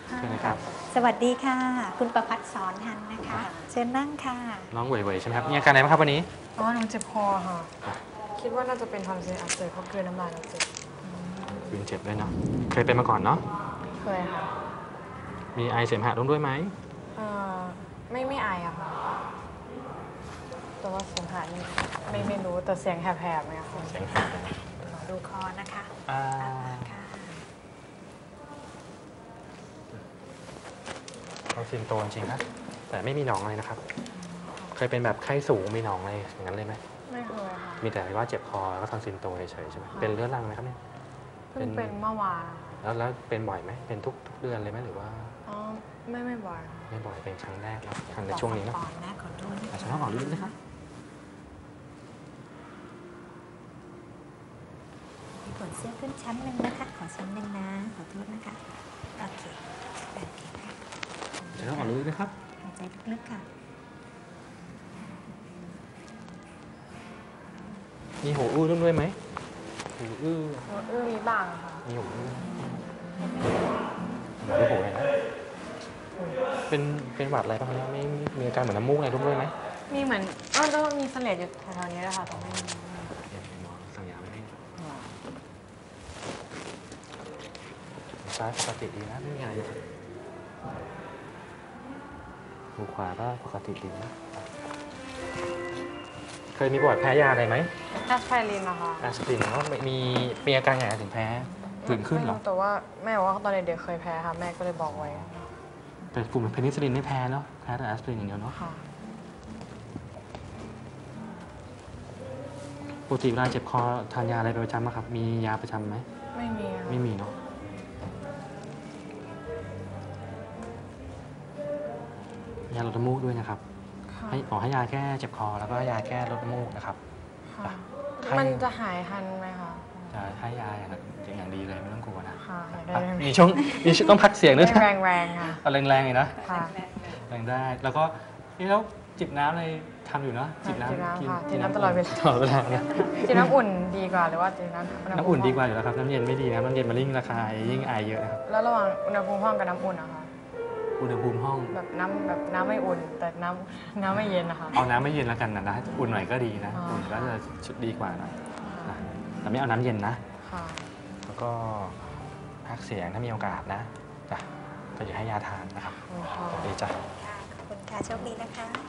เชิญเลยครับสวัสดีค่ะคุณประภัสสอนหันนะคะเชิญนั่งค่ะน้องเหวยๆใช่ไหมครับมีอาการอะไรบ้างครับวันนี้หนูเจ็บคอค่ะคิดว่าน่าจะเป็นทอนซิลอักเสบเพราะกลืนน้ำลายแล้วเจ็บคืนเจ็บด้วยเนาะเคยเป็นมาก่อนเนาะเคยค่ะมีไอเสมหะร่วมด้วยไหมไม่ไออะค่ะแต่ว่าเสียงหายไม่รู้แต่เสียงแหบๆไหมคะเสียงแหบขอดูคอนะคะค่ะเขาซิมโตจริงๆนะแต่ไม่มีหนองอะไรนะครับเคยเป็นแบบไข้สูงมีหนองอะไรอย่างนั้นเลยไหมไม่เคยค่ะมีแต่ว่าเจ็บคอแล้วก็ทอนซิลโตเฉยๆใช่ไหมเป็นเรื้อรังไหมครับเนี่ยเพิ่งเป็นเมื่อวานแล้วเป็นบ่อยไหมเป็นทุกเดือนเลยไหมหรือว่าไม่บ่อยไม่บ่อยเป็นครั้งแรกเนาะครั้งในช่วงนี้เนาะขอโทษอาจจะต้องออกฤทธิ์นะครับมีขนเสื้อขึ้นชั้นหนึ่งนะคะขอชั้นหนึ่งนะขอโทษนะคะโอเคค่ะจะต้องออกฤทธิ์นะครับหายใจลึกๆค่ะมีหูอื้อร่วมด้วยไหมหูอื้อมีบ้างค่ะมีหูอื้อหนูหูเห็นไหมเป็นหวัดอะไรบ้างเนี่ยไม่มีอาการเหมือนน้ำมูกอะไรร่วมด้วยไหมมีเหมือนแล้วมีเสลดอยู่แถวๆนี้นะคะตรงนี้สั่งยาไม่ได้ซ้ายปกติดีนะไม่มีอะไรหูขวาก็ปกติดีนะเคยมีประวัติแพ้ยาอะไรไหมแอสไพรินนะคะแอสไพรินแล้วมีอาการไงถึงแพ้ผื่นขึ้นเหรอแต่ว่าแม่บอกว่าตอนเด็กๆเคยแพ้ค่ะแม่ก็เลยบอกไว้แต่กลุ่มเพนิซิลลินไม่แพ้เนาะแพ้แต่แอสไพรินอย่างเดียวเนาะปกติเวลาเจ็บคอทานยาอะไรประจำไหมครับมียาประจำไหมไม่มีเนาะยาลดน้ำมูกด้วยนะครับให้ยาแก้เจ็บคอแล้วก็ยาแก้ลดน้ำมูกนะครับมันจะหายทันไหมคะจะให้ยาอย่างดีเลยไม่ต้องกลัวนะมีช่วงต้องพักเสียงด้วยแรงๆค่ะแรงๆเลยนะแรงได้แล้วก็แล้วจิบน้ำอะไรทำอยู่เนาะจิบน้ำตลอดเวลาเนี่ยจิบน้ำอุ่นดีกว่าหรือว่าจิบน้ำอุ่นดีกว่าอยู่แล้วครับน้ำเย็นไม่ดีนะน้ำเย็นมันยิ่งระคายยิ่งไอเยอะนะครับแล้วระหว่างอุณหภูมิห้องกับน้ำอุ่นนะคะอุณหภูมิห้องแบบน้ำไม่อุ่นแต่น้ำไม่เย็นนะคะเอาน้ำไม่เย็นแล้วกันนะอุ่นหน่อยก็ดีนะอุ่นก็จะชุดดีกว่านะแต่ไม่เอาน้ำเย็นนะแล้วก็พักเสียงถ้ามีโอกาสนะจ้ะก็อย่าให้ยาทานนะครับดีจ้ะขอบคุณค่ะโชคดีนะคะ